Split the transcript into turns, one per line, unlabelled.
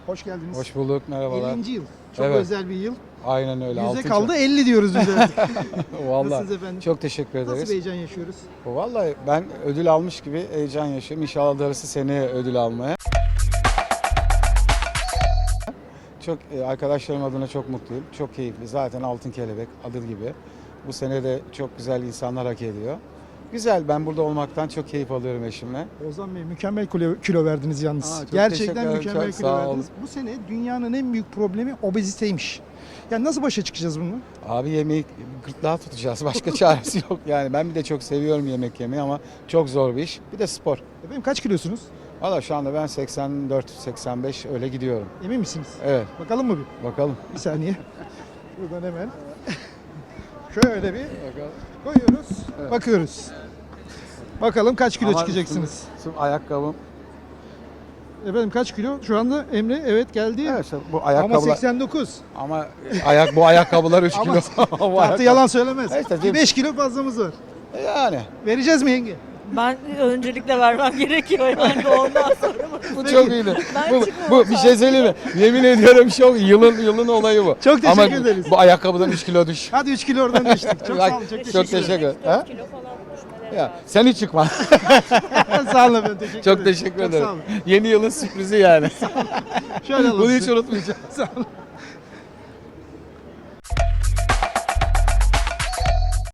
Hoş geldiniz.
Hoş bulduk, merhabalar.
50. yıl. Çok
Evet.
özel bir yıl.
Aynen öyle.
Yüze
altın
kaldı 50 diyoruz biz artık.
çağ. Vallahi
Nasılsınız efendim?
çok teşekkür
Nasıl bir
ederiz.
heyecan yaşıyoruz?
Vallahi ben ödül almış gibi heyecan yaşıyorum. İnşallah darısı seneye ödül almaya. Çok arkadaşlarım adına çok mutluyum. Çok keyifli. Zaten Altın Kelebek adı gibi. Bu sene de çok güzel insanlar hak ediyor. Güzel. Ben burada olmaktan çok keyif alıyorum eşimle.
Ozan Bey mükemmel kilo verdiniz yalnız.
Aa, çok
Gerçekten
teşekkür ederim,
mükemmel
çok
kilo
sağ olun.
verdiniz. Bu sene dünyanın en büyük problemi obeziteymiş. Yani nasıl başa çıkacağız bununla?
Abi yemeği gırtlağı tutacağız. Başka çaresi yok. Yani ben bir de çok seviyorum yemek yemeyi ama çok zor bir iş. Bir de spor.
Efendim kaç kilosunuz?
Valla şu anda ben 84-85 öyle gidiyorum.
Emin misiniz?
Evet,
Bakalım mı bir?
bakalım.
Bir saniye. Buradan hemen. Şöyle bir koyuyoruz.
Evet.
Bakıyoruz. Bakalım kaç kilo
Ama
çıkacaksınız?
Şu ayakkabım.
Efendim kaç kilo? Şu anda Emre evet geldi.
Evet, işte bu
Ama
ayakkabılar.
89.
Ama bu ayakkabılar 3
Ama
kilo. Bu
Tartı
ayakkabı-
yalan söylemez.
İşte
Bir 5 kilo fazlamız var.
Yani
Vereceğiz mi yenge?
Ben öncelikle vermem gerekiyor yani ondan sonra.
bu çok iyiydi.
Ben
Bu
çıkmam
bir şey söyleyeyim mi? Yemin ediyorum çok yılın olayı bu.
Çok teşekkür
Ama
ederiz.
bu ayakkabıdan 3 kilo düş.
Hadi 3 kilo oradan düştük. Çok sağ olun. Çok teşekkür ederim.
Ha?
Kilo falan düşmeleri
Ya
var.
sen hiç çıkma.
Sağ olun efendim. Teşekkür
Çok
ederim.
teşekkür
Çok
ederim.
sağ olun.
Yeni yılın sürprizi yani.
Şöyle alalım
Bunu hiç
sizi.
unutmayacağım.
Sağ olun.